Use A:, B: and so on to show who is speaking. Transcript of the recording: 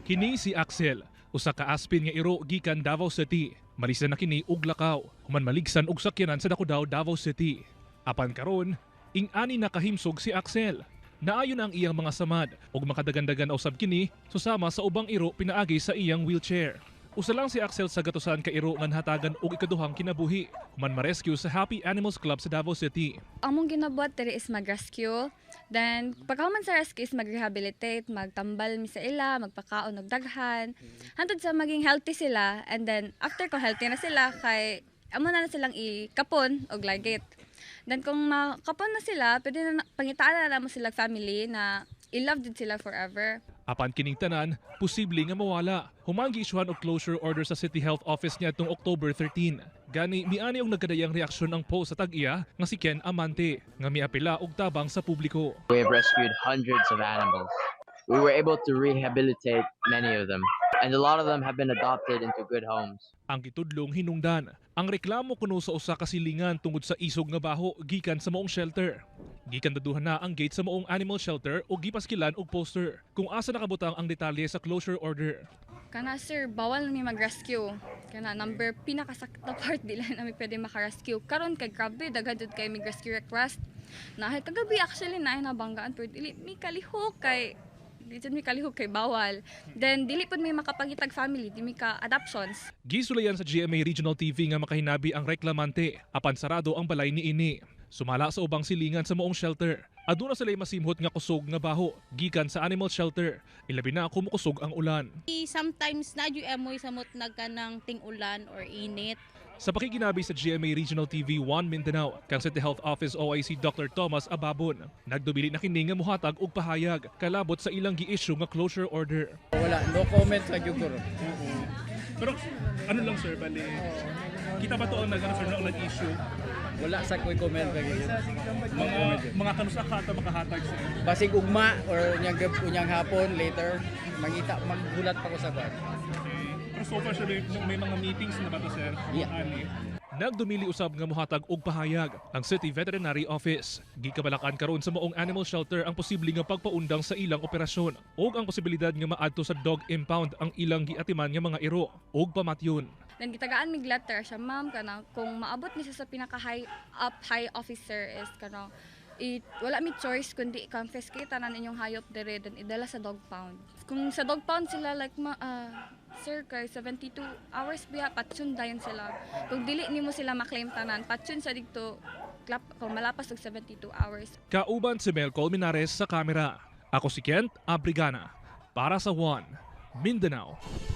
A: Kini si Axel, usa ka aspin nga iro gikan Davao City. Malisa na kini og lakaw, human maligsan og sakyanan sa Dakudaw, Davao City. Apan karon, ing-ani nakahimsog si Axel. Naayon ang iyang mga samad ug makadagandagan usab kini susama sa ubang iro pinaagi sa iyang wheelchair. Usa lang si Axel sa gatusan ka iro nga hatagan og ikaduhang kinabuhi, human ma-rescue sa Happy Animals Club sa Davao City.
B: Among ginabuhat diri is mag-rescue. Then, pagkahuman sa rescue is mag-rehabilitate, magtambal mi sa ila, magpakaon og daghan. Hantod sa maging healthy sila, and then after kung healthy na sila, kay amo na silang ikapon og lagit. Then kung makapon na sila, pwede na pangitaan na mo sila family na i-love din sila forever.
A: Apan kining tanan, posible nga mawala. Human gi-issuehan og closure order sa City Health Office niya tung October 13. Gani miani og nagkadayang reaksyon ang post sa tag-iya nga si Ken Amante nga miapila og tabang sa publiko.
C: We have rescued hundreds of animals. We were able to rehabilitate many of them, and a lot of them have been adopted into good homes.
A: Ang gitudlong hinungdan, ang reklamo kuno sa usa ka silingan tungod sa isog nga baho gikan sa maong shelter. Gikan daduhan na ang gate sa maong animal shelter o gipaskilan og poster kung asa nakabutang ang detalye sa closure order.
B: Kana sir, bawal mi mag-rescue. Kana number pinakasakta part dila na mi pwede maka-rescue. Karon kay grabe daghan jud kay mig rescue request. Nahay kagabi actually na nabanggaan pero dili mi kalihok kay mi kalihok kay bawal. Then dili pud may makapangitag family, di mi ka adoptions.
A: Gisulayan sa GMA Regional TV nga makahinabi ang reklamante apan sarado ang balay ni ini. Sumala sa ubang silingan sa maong shelter. Aduna sila masimhot nga kusog nga baho gikan sa animal shelter. Ilabi na kumukusog ang ulan.
D: Sometimes nadyo emoy samot nagkanang ting-ulan or init.
A: Sa pakikinabi sa GMA Regional TV 1 Mindanao, kang City Health Office OIC Dr. Thomas Ababon, nagdubili na kini nga muhatag og pahayag kalabot sa ilang gi-issue nga closure order.
E: Wala, no comment sa Jugor.
A: Pero ano lang sir, bali, kita ba to ang nag-issue?
E: Wala sa ko'y comment kay
A: Mga kanusa kata makahatag sir.
E: basig ugma or unyang hapon later mangita magbulat pa ko sa bar.
A: Pero so far sir, may mga meetings na ba to sir?
E: Yeah.
A: Nagdumili usab nga muhatag og pahayag ang City Veterinary Office. Gikabalakan karon sa maong animal shelter ang posible nga pagpaundang sa ilang operasyon ug ang posibilidad nga maadto sa dog impound ang ilang giatiman nga mga iro ug pamatyon.
B: Then gitagaan mig letter siya, ma'am, kana kung maabot ni siya sa pinaka high officer is kana wala mi choice kundi i-confiscate tanan inyong hayop dire then idala sa dog pound. Kung sa dog pound sila like sir kay 72 hours biya patsun dayon sila. Kung dili nimo sila ma-claim tanan, patsun sa dito kung malapas og 72 hours.
A: Kauban si Mel Colmenares sa kamera. Ako si Kent Abrigana para sa One Mindanao.